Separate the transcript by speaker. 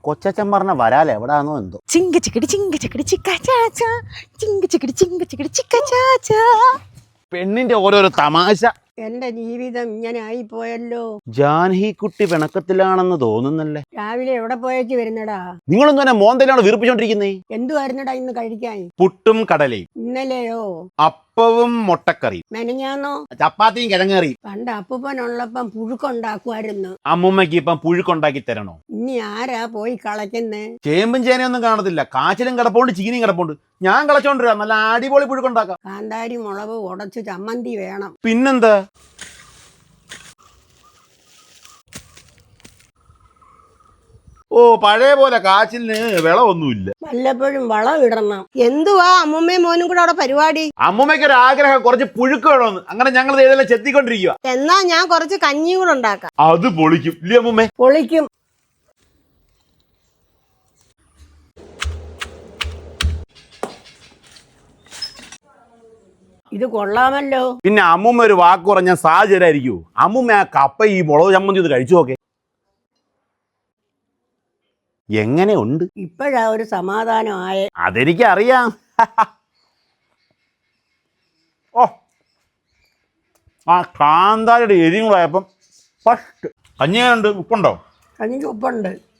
Speaker 1: കൊച്ചച്ഛൻ പറഞ്ഞ വരാല് എവിടാന്നോ എന്തോ.
Speaker 2: ചിങ്ക ചിക്കടി ചിക്ക ചാച്ച ചിങ്ക ചിക്കടി ചിക്ക ചാച്ച.
Speaker 1: പെണ്ണിന്റെ ഓരോരോ തമാശ.
Speaker 3: എന്റെ ജീവിതം ഇങ്ങനെ ആയിപ്പോയല്ലോ.
Speaker 1: ജാൻഹി കുട്ടി പിണക്കത്തിലാണെന്ന് തോന്നുന്നല്ലേ.
Speaker 3: രാവിലെ എവിടെ പോയേച്ച് വരുന്നടാ?
Speaker 1: നിങ്ങളൊന്നും എന്നെ മോന്തയിലാണ് വീർപ്പിച്ചോണ്ടിരിക്കുന്നേ.
Speaker 3: എന്തുവായിരുന്നടാ ഇന്ന് കഴിക്കാൻ?
Speaker 1: പുട്ടും കടലയും.
Speaker 3: ഇന്നലെയോ?
Speaker 1: അപ്പവും മുട്ടക്കറിയും.
Speaker 3: മെനഞ്ഞാന്നോ?
Speaker 1: ചപ്പാത്തിയും കിഴങ്ങേറിയും.
Speaker 3: പണ്ട് അപ്പൂപ്പനുള്ളപ്പം പുഴുക്കുണ്ടാക്കുമായിരുന്നു.
Speaker 1: അമ്മൂമ്മക്ക് ഇപ്പം പുഴുക്കുണ്ടാക്കി തരണോ?
Speaker 3: ഇനി ആരാ പോയി കളയ്ക്കുന്നേ?
Speaker 1: ചേമ്പും ചേനയൊന്നും കാണത്തില്ല. കാച്ചിലും കിടപ്പുണ്ട്, ചീനിയും കിടപ്പുണ്ട്. ഞാൻ കളച്ചോണ്ടിരാ. നല്ല അടിപൊളി പുഴുക്കുണ്ടാക്കാം.
Speaker 3: കാന്താരി മുളക് ഉടച്ച് ചമ്മന്തി വേണം.
Speaker 1: പിന്നെന്താ? ഓ, പഴയ പോലെ കാച്ചിലിന് വിളവൊന്നുമില്ല.
Speaker 3: വല്ലപ്പോഴും വളം ഇടണം. എന്തുവാ അമ്മൂമ്മയും മോനും കൂടെ അവിടെ പരിപാടി?
Speaker 1: അമ്മൂമ്മയ്ക്ക് ഒരു ആഗ്രഹം, കുറച്ച് പുഴുക്ക് വേണമെന്ന്. അങ്ങനെ ഞങ്ങൾ ഇതെല്ലാം ചെത്തിക്കൊണ്ടിരിക്കുക.
Speaker 3: എന്നാ ഞാൻ കുറച്ച് കഞ്ഞി കൂടെ ഉണ്ടാക്കാം.
Speaker 1: അത് പൊളിക്കും ഇല്ലേ അമ്മൂമ്മേ?
Speaker 3: പൊളിക്കും. ഇത് കൊള്ളാമല്ലോ.
Speaker 1: പിന്നെ അമ്മൂമ്മ ഒരു വാക്ക് പറഞ്ഞാൽ സാഹചര്യമായിരിക്കൂ. അമ്മൂമ്മ ആ കപ്പ ഈ മുളക് ചമ്മന്തി ഒന്ന് കഴിച്ചു നോക്കെ. എങ്ങനെയുണ്ട്?
Speaker 3: ഇപ്പോഴാ ഒരു സമാധാനമായേ.
Speaker 1: അതെനിക്കറിയാം. ഓ, ആ കാന്താരിയുടെ എരിയും കൂടെ ആയപ്പം ഫസ്റ്റ്. കഞ്ഞിയുണ്ട്, ഉപ്പുണ്ടോ?
Speaker 3: കഞ്ഞിക്ക് ഉപ്പുണ്ട്.